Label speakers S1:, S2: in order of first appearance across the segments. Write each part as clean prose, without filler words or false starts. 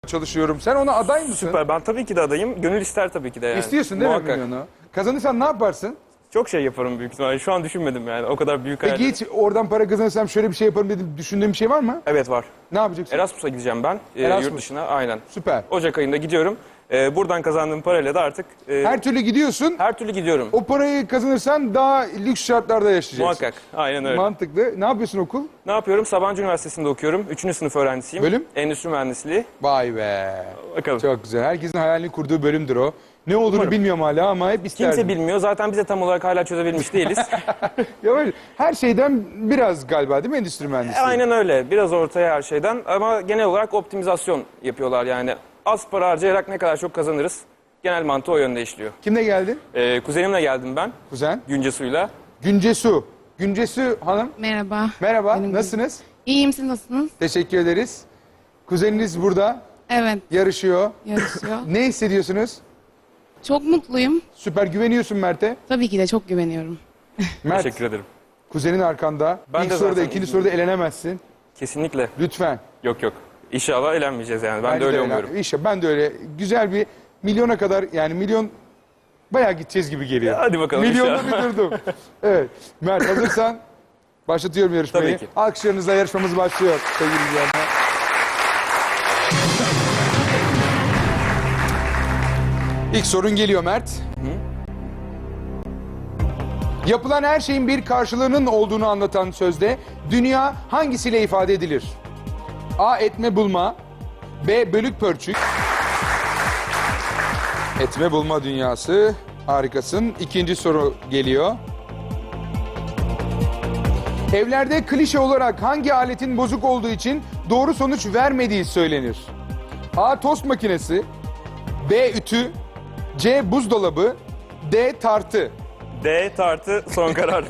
S1: çalışıyorum. Sen ona aday mısın?
S2: Süper. Ben tabii ki de adayım. Gönül ister tabii ki de yani.
S1: İstiyorsun değil
S2: Muhakkak.
S1: mi milyonu? Kazanırsan ne yaparsın?
S2: Çok şey yaparım büyük ihtimalle. Şu an düşünmedim yani. O kadar büyük
S1: Peki
S2: hayal.
S1: hiç oradan para kazanırsam şöyle bir şey yaparım dedim. Düşündüğün bir şey var mı?
S2: Evet var.
S1: Ne yapacaksın?
S2: Erasmus'a gideceğim ben.
S1: Erasmus.
S2: Yurt dışına. Aynen.
S1: Süper.
S2: Ocak ayında gidiyorum. Buradan kazandığım parayla da artık
S1: Her türlü gidiyorsun.
S2: her türlü gidiyorum.
S1: O parayı kazanırsan daha lüks şartlarda yaşayacaksın.
S2: Muhakkak. Aynen öyle.
S1: Mantıklı. Ne yapıyorsun okul?
S2: Ne yapıyorum? Sabancı Üniversitesi'nde okuyorum. 3. sınıf öğrencisiyim.
S1: Bölüm?
S2: Endüstri mühendisliği.
S1: Vay be.
S2: Bakalım.
S1: Çok güzel. Herkesin hayalini kurduğu bölümdür o. Ne olduğunu
S2: Umarım.
S1: bilmiyorum hala ama hep isterdim.
S2: Kimse bilmiyor. Zaten biz de tam olarak hala çözebilmiş değiliz.
S1: Ya öyle. Her şeyden biraz galiba değil mi endüstri mühendisliği?
S2: Aynen öyle. Biraz ortaya her şeyden. Ama genel olarak optimizasyon yapıyorlar yani. Az para harcayarak ne kadar çok kazanırız. Genel mantığı o yönde işliyor.
S1: Kimle geldin?
S2: Kuzenimle geldim ben.
S1: Kuzen.
S2: Güncesu'yla.
S1: Güncesu. Güncesu Hanım.
S3: Merhaba.
S1: Merhaba.
S3: Benim-
S1: Nasılsınız?
S3: İyiyim, siz nasılsınız?
S1: Teşekkür ederiz. Kuzeniniz burada.
S3: Evet,
S1: Yarışıyor.
S3: yarışıyor.
S1: Ne hissediyorsunuz?
S3: Çok mutluyum.
S1: Süper güveniyorsun Mert'e.
S3: Tabii ki de çok güveniyorum.
S1: Mert,
S2: Teşekkür ederim.
S1: kuzenin arkanda.
S2: Ben
S1: İlk
S2: de
S1: soruda,
S2: zaten
S1: ikinci
S2: iyiyim.
S1: soruda elenemezsin.
S2: Kesinlikle.
S1: Lütfen.
S2: Yok yok. İnşallah eğlenmeyeceğiz yani. Ben
S1: Bence
S2: de öyle
S1: eğlen-
S2: umuyorum.
S1: İşte ben de öyle. Güzel bir milyona kadar yani milyon bayağı gideceğiz gibi geliyor.
S2: Hadi bakalım
S1: Milyonda
S2: inşallah.
S1: bir durdum. Evet. Mert hazırsan başlatıyorum yarışmayı.
S2: Tabii ki.
S1: Alkışlarınızla yarışmamız başlıyor sevgili izleyenler. İlk sorun geliyor Mert. Yapılan her şeyin bir karşılığının olduğunu anlatan sözde dünya hangisiyle ifade edilir? A. Etme bulma. B. Bölük pörçük. Etme bulma dünyası. Harikasın. İkinci soru geliyor. Evlerde klişe olarak hangi aletin bozuk olduğu için doğru sonuç vermediği söylenir? A. Tost makinesi. B. Ütü. C. Buzdolabı. D. Tartı.
S2: D tartı son karar.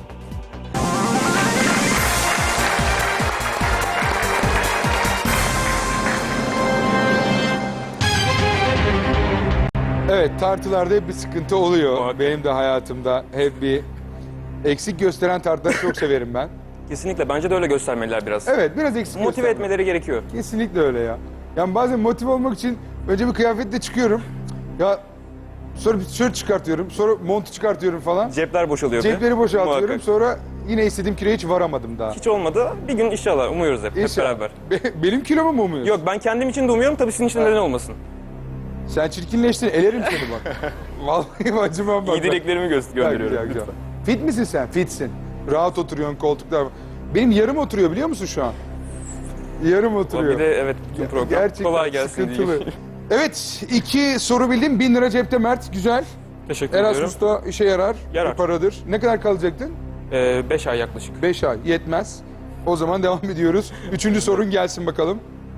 S1: Evet, tartılarda hep bir sıkıntı oluyor.
S2: Muhakkak.
S1: Benim de hayatımda hep bir eksik gösteren tartıları çok severim ben.
S2: Kesinlikle. Bence de öyle göstermeliler biraz.
S1: Evet, biraz eksik
S2: Motive
S1: göstermek.
S2: etmeleri gerekiyor.
S1: Kesinlikle öyle ya. Yani bazen motive olmak için önce bir kıyafetle çıkıyorum. Ya sonra bir tişört çıkartıyorum, sonra montu çıkartıyorum falan.
S2: Cepler boşalıyor.
S1: Cepleri boşaltıyorum.
S2: Muhakkak.
S1: Sonra yine istediğim kiloya hiç varamadım daha.
S2: Hiç olmadı. Bir gün inşallah umuyoruz hep
S1: İnşallah.
S2: beraber.
S1: Benim kilomu mu umuyorsun?
S2: Yok ben kendim için de umuyorum. Tabii sizin için de neden olmasın.
S1: Sen çirkinleştin, elerim seni bak. Vallahi acımam bak.
S2: İyi dileklerimi
S1: Güzel,
S2: gönderiyorum.
S1: güzel. Fit misin sen? Fitsin. Rahat oturuyorsun koltuklar. Benim yarım oturuyor biliyor musun şu an? Yarım oturuyor.
S2: Bir de evet bütün program.
S1: Gerçekten
S2: Kolay gelsin
S1: sıkıntılı.
S2: diyeyim.
S1: Evet, 2 soru bildim. 1000 lira cepte Mert. Güzel.
S2: Teşekkür ediyorum.
S1: Erasmus'ta işe yarar.
S2: Yarar.
S1: Bir paradır. Ne kadar kalacaktın?
S2: 5 ay yaklaşık.
S1: 5 ay. Yetmez. O zaman devam ediyoruz. 3. sorun gelsin bakalım.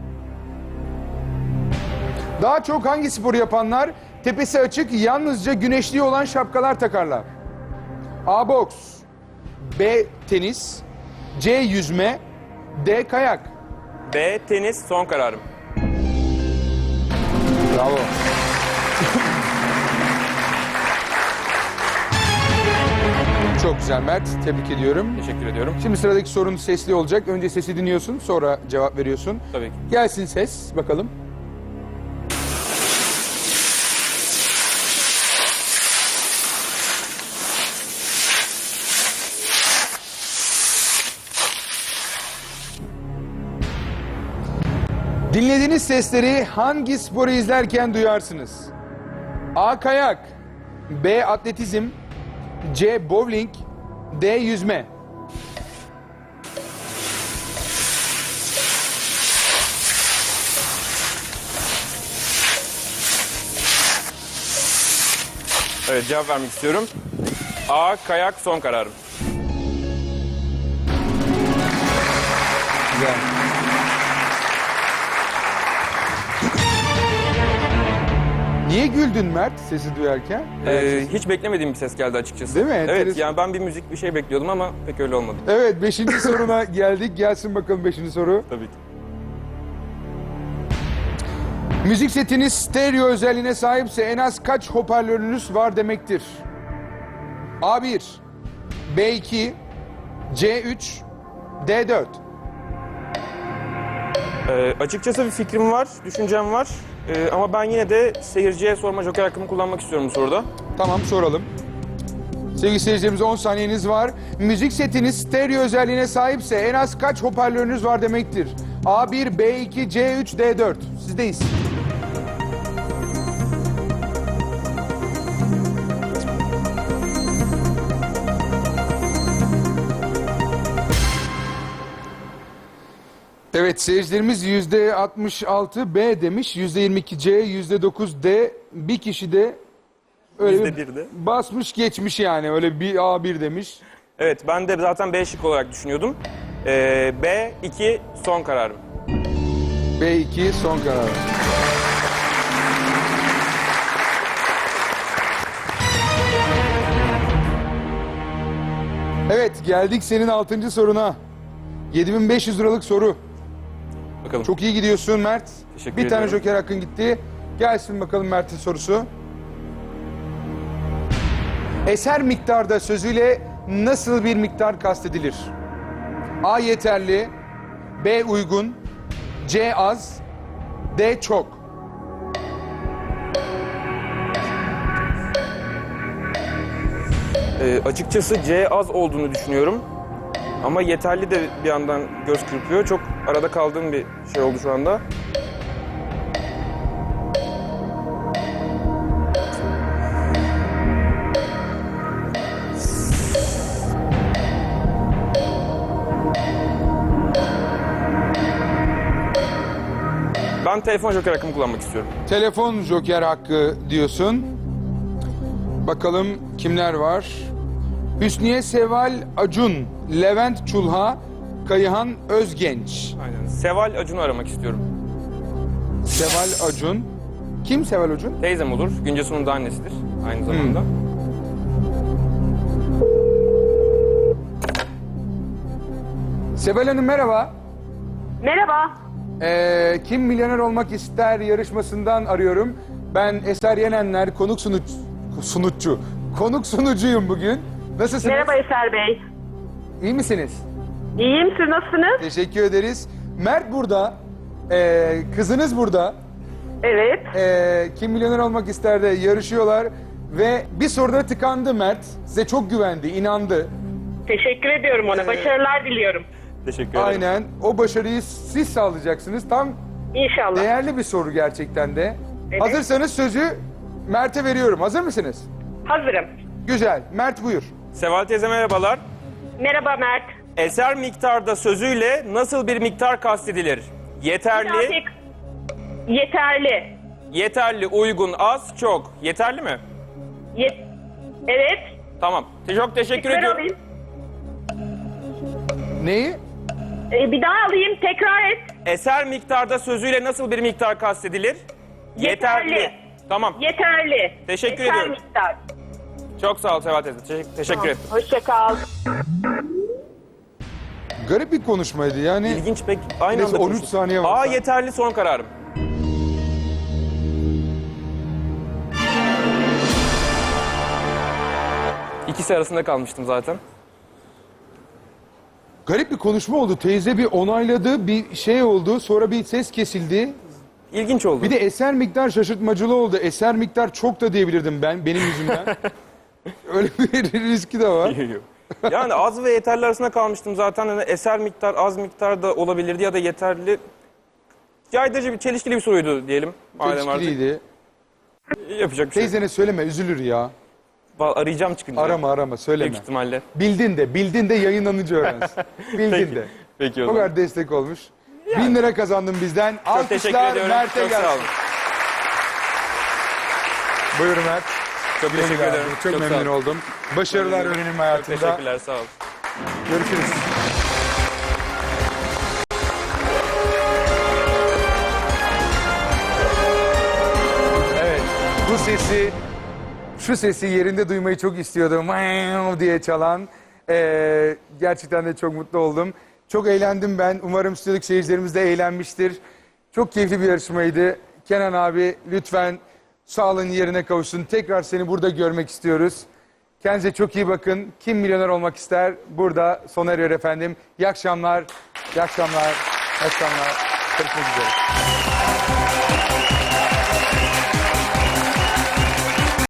S1: Daha çok hangi sporu yapanlar tepesi açık, yalnızca güneşli olan şapkalar takarlar? A. Boks. B. Tenis. C. Yüzme. D. Kayak.
S2: B tenis son kararım.
S1: Bravo. Çok güzel Mert. Tebrik ediyorum.
S2: Teşekkür ediyorum.
S1: Şimdi sıradaki sorun sesli olacak. Önce sesi dinliyorsun, sonra cevap veriyorsun.
S2: Tabii ki.
S1: Gelsin ses, bakalım. Dinlediğiniz sesleri hangi sporu izlerken duyarsınız? A. Kayak. B. Atletizm. C. Bowling. D. Yüzme.
S2: Evet cevap vermek istiyorum. A kayak son kararım.
S1: Güzel. Niye güldün Mert sesi duyarken?
S2: Hiç beklemediğim bir ses geldi açıkçası.
S1: Değil mi?
S2: Evet
S1: Enteresan.
S2: yani ben bir müzik bir şey bekliyordum ama pek öyle olmadı.
S1: Evet, 5. soruna geldik. Gelsin bakalım 5. soru.
S2: Tabii ki.
S1: Müzik setiniz stereo özelliğine sahipse en az kaç hoparlörünüz var demektir? A1, B2, C3, D4.
S2: Açıkçası bir fikrim var, düşüncem var. Ama ben yine de seyirciye sorma joker hakkımı kullanmak istiyorum bu soruda.
S1: Tamam, soralım. Sevgili seyircilerimiz, 10 saniyeniz var. Müzik setiniz stereo özelliğine sahipse en az kaç hoparlörünüz var demektir? A1, B2, C3, D4. Sizdeyiz. Evet, seyircilerimiz %66 B demiş, %22 C, %9 D. Bir kişi de öyle
S2: %1 de.
S1: basmış geçmiş yani, öyle bir A1 demiş.
S2: Evet, ben de zaten B şık olarak düşünüyordum. B2 son kararım.
S1: B2 son karar. Evet, geldik senin 6. soruna. 7500 liralık soru.
S2: Bakalım.
S1: Çok iyi gidiyorsun Mert.
S2: Teşekkür
S1: Bir tane
S2: ediyorum.
S1: joker hakkın gitti. Gelsin bakalım Mert'in sorusu. Eser miktarda sözüyle nasıl bir miktar kastedilir? A yeterli, B uygun, C az, D çok.
S2: Açıkçası C az olduğunu düşünüyorum. Ama yeterli de bir yandan göz kırpıyor. Çok arada kaldığım bir şey oldu şu anda. Ben telefon joker hakkımı kullanmak istiyorum.
S1: Telefon joker hakkı diyorsun. Bakalım kimler var? Hüsniye Seval Acun, Levent Çulha, Kayıhan Özgenç.
S2: Aynen. Seval Acun'u aramak istiyorum.
S1: Seval Acun. Kim Seval Acun?
S2: Teyzem olur. Güncesu'nun da annesidir aynı zamanda.
S1: Seval Hanım merhaba.
S4: Merhaba.
S1: Kim Milyoner Olmak İster yarışmasından arıyorum. Ben Eser Yenenler, konuk sunucuyum bugün. Nasılsınız?
S4: Merhaba Eser Bey.
S1: İyi misiniz?
S4: İyiyim, siz nasılsınız?
S1: Teşekkür ederiz. Mert burada. Kızınız burada.
S4: Evet.
S1: Kim Milyoner Olmak İster'de yarışıyorlar. Ve bir soruda tıkandı Mert. Size çok güvendi, inandı.
S4: Teşekkür ediyorum ona. Başarılar diliyorum.
S2: Teşekkür ederim.
S1: Aynen. O başarıyı siz sağlayacaksınız. Tam
S4: İnşallah.
S1: değerli bir soru gerçekten de.
S4: Evet.
S1: Hazırsanız sözü Mert'e veriyorum. Hazır mısınız?
S4: Hazırım.
S1: Güzel. Mert buyur.
S2: Seval teyze merhabalar.
S4: Merhaba Mert.
S2: Eser miktarda sözüyle nasıl bir miktar kastedilir? Yeterli,
S4: Yeterli.
S2: yeterli, uygun, az, çok. Yeterli mi?
S4: Evet.
S2: Tamam. Çok teşekkür
S4: Tekrar
S2: ediyorum.
S4: alayım.
S1: Neyi?
S4: Bir daha alayım. Tekrar et.
S2: Eser miktarda sözüyle nasıl bir miktar kastedilir?
S4: Yeterli.
S2: Tamam.
S4: Yeterli.
S2: Teşekkür
S4: Yeter
S2: ediyorum.
S4: miktar.
S2: Çok sağ ol Seval teyze. Teşekkür ettim.
S4: Hoşça kal.
S1: Garip bir konuşmaydı yani.
S2: İlginç pek aynı
S1: Neyse,
S2: anda
S1: 13
S2: konuştuk.
S1: saniye var.
S2: A yeterli son kararım. İkisi arasında kalmıştım zaten.
S1: Garip bir konuşma oldu. Teyze bir onayladı, bir şey oldu. Sonra bir ses kesildi.
S2: İlginç oldu.
S1: Bir de eser miktar şaşırtmacılı oldu. Eser miktar çok da diyebilirdim ben, benim yüzümden. Öyle bir riski de var.
S2: Yani az ve yeterli arasında kalmıştım zaten. Yani eser miktar, az miktar da olabilirdi ya da yeterli. Caydırıcı bir, çelişkili bir soruydu diyelim. Madem artık
S1: Çelişkiliydi.
S2: yapacak bir şey yok.
S1: Teyzene söyleme, üzülür ya.
S2: Arayacağım çıkınca.
S1: Arama, söyleme.
S2: Büyük ihtimalle.
S1: Bildin de yayınlanınca öğrensin. Bildin
S2: Peki.
S1: de.
S2: Peki o
S1: O
S2: zaman.
S1: kadar destek olmuş. 1000 lira kazandın bizden.
S2: Çok teşekkür
S1: Alkışlar
S2: ediyorum.
S1: Mert'e
S2: Çok sağ
S1: gelsin.
S2: olun.
S1: Buyurun Mert.
S2: Çok
S1: Güle
S2: teşekkür
S1: güle abi.
S2: ederim.
S1: Çok
S2: sağ
S1: memnun
S2: olun.
S1: oldum. Başarılar öğrenim
S2: Çok
S1: hayatında.
S2: teşekkürler. Sağ olun.
S1: Görüşürüz. Evet. Şu sesi yerinde duymayı çok istiyordum. Wow diye çalan. Gerçekten de çok mutlu oldum. Çok eğlendim ben. Umarım stüdyodaki seyircilerimiz de eğlenmiştir. Çok keyifli bir yarışmaydı. Kenan abi lütfen sağlığın yerine kavuşsun. Tekrar seni burada görmek istiyoruz. Kendinize çok iyi bakın. Kim milyoner olmak ister? Burada sona eriyor efendim. İyi akşamlar. İyi akşamlar. İyi akşamlar.
S2: Görüşmek üzere.